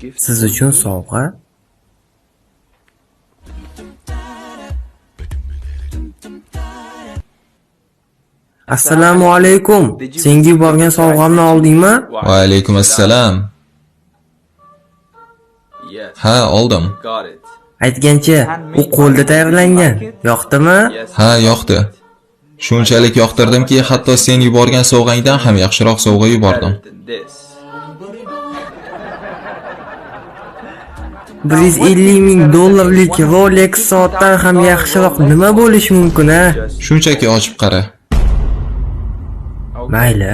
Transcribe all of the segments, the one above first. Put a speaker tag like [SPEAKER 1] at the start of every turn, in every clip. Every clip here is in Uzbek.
[SPEAKER 1] siz uchun sovg'a. Assalomu alaykum. Senga yuborgan sovg'amni oldingmi?
[SPEAKER 2] Va alaykum assalom. Ha, oldim.
[SPEAKER 1] Aytgancha, u qo'lda tayyorlangan. Yoqdimi?
[SPEAKER 2] Ha, yoqdi. Shunchalik yoqtirdimki, hatto sen yuborgan sovg'angdan ham yaxshiroq sovg'a yubordim.
[SPEAKER 1] 150 ming dollarlik Rolex soatdan ham yaxshiroq nima bo'lishi mumkin, ha?
[SPEAKER 2] Shunchaki ochib qara.
[SPEAKER 1] Mayli.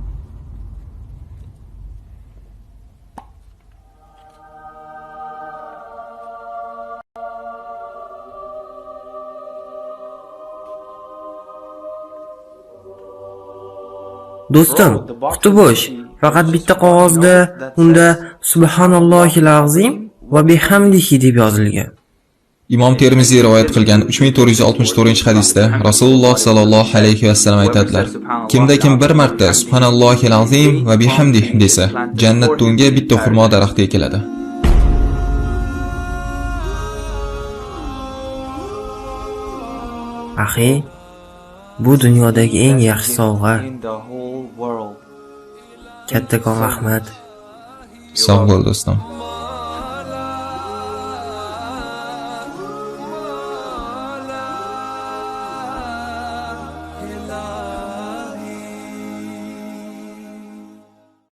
[SPEAKER 1] Do'stim, quti bo'sh. Faqat bitta qog'ozda unda subhanallohil azim va bihamdihi deb yozilgan.
[SPEAKER 2] Imom Termiziy rivoyat qilgan 3464-hadisda Rasululloh sallallohu alayhi vasallam aytadilar: kimda kim bir marta subhanallohil azim va bihamdihi desa, jannatda unga bitta xurmo daraxti ekiladi.
[SPEAKER 1] Axi, bu dunyodagi eng yaxshi sovg'a. Kattakon rahmat.
[SPEAKER 2] Sog' bo'l do'stim.